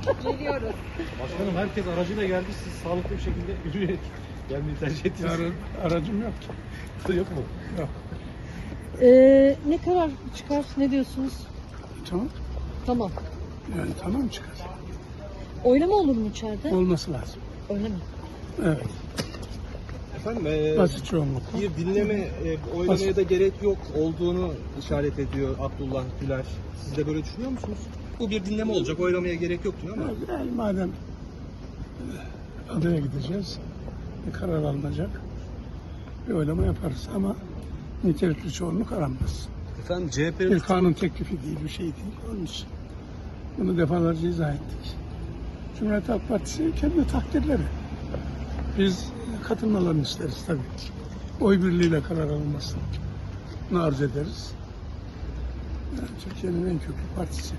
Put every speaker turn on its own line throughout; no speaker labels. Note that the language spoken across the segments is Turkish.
Geliyoruz.
Başkanım herkes aracıyla geldi. Siz sağlıklı bir şekilde yürüyerek gelmeyi tercih ettiniz.
Aracım yok ki.
Yok mu?
Yok.
Ne karar çıkar? Ne diyorsunuz?
Tamam.
Tamam.
Yani tamam çıkar.
Oylama olur mu içeride?
Olması lazım.
Öyle mi?
Evet.
Efendim
Basit çoğunlukla.
bir dinleme oylamaya da gerek yok olduğunu işaret ediyor Abdullah Güler. Siz de böyle düşünüyor musunuz? Bu bir dinleme olacak, oylamaya gerek yok diyor ama.
Yani madem adaya gideceğiz, bir karar alınacak, bir oylama yaparız ama nitelikli çoğunluk aranmaz.
Efendim
Bir
CHP'nin
kanun teklifi değil, bir şey değil. Onun için bunu defalarca izah ettik. Cumhuriyet Halk Partisi kendi takdirleri. Biz katılmalarını isteriz tabii. Oy birliğiyle karar alınmasını arz ederiz. Yani Türkiye'nin en köklü partisi.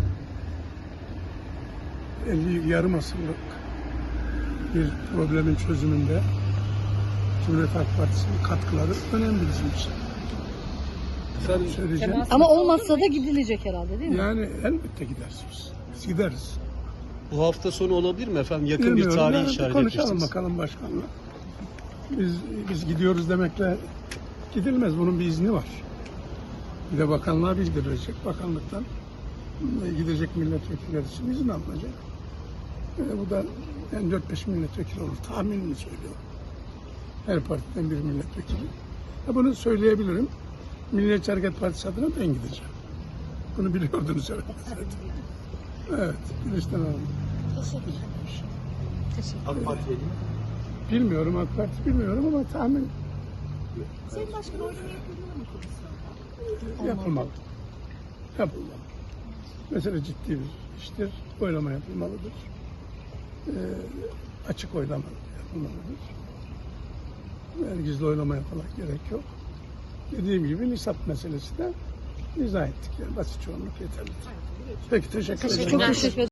yarım asırlık bir problemin çözümünde Cumhuriyet Halk Partisi'nin katkıları önemli bizim için.
efendim,
Söyleyeceğim.
Ama olmazsa da gidilecek herhalde değil mi?
Yani elbette gideriz. Biz gideriz.
bu hafta sonu olabilir mi efendim? Yakın
Bilmiyorum.
bir tarih
Yani
işaret
konuşalım
etmiştiniz.
bakalım başkanla. Biz gidiyoruz demekle gidilmez. Bunun bir izni var. Bir de bakanlığa bildirilecek. Bakanlıktan gidecek milletvekilleri için izin alınacak. Bu da yani 4-5 milletvekili olur. Tahminini söylüyorum. Her partiden bir milletvekili. Bunu söyleyebilirim. Milliyetçi Hareket Partisi adına ben gideceğim. Bunu biliyordunuz herhalde zaten. Evet. Güneşten aldım.
AK Parti'ye değil mi?
Bilmiyorum AK Parti bilmiyorum ama tahmin
Sayın Başkan oylama yapılmalı mı komisyon?
yapılmalı. Yapılmalı. Mesele ciddi bir iştir. Oylama yapılmalıdır. Açık oylama yapılmalıdır. Yani gizli oylama yapmak gerek yok. Dediğim gibi nisap meselesi de izah ettik. Yani basit çoğunluk yeterlidir. Peki teşekkür ederim.
Çok teşekkür ederim.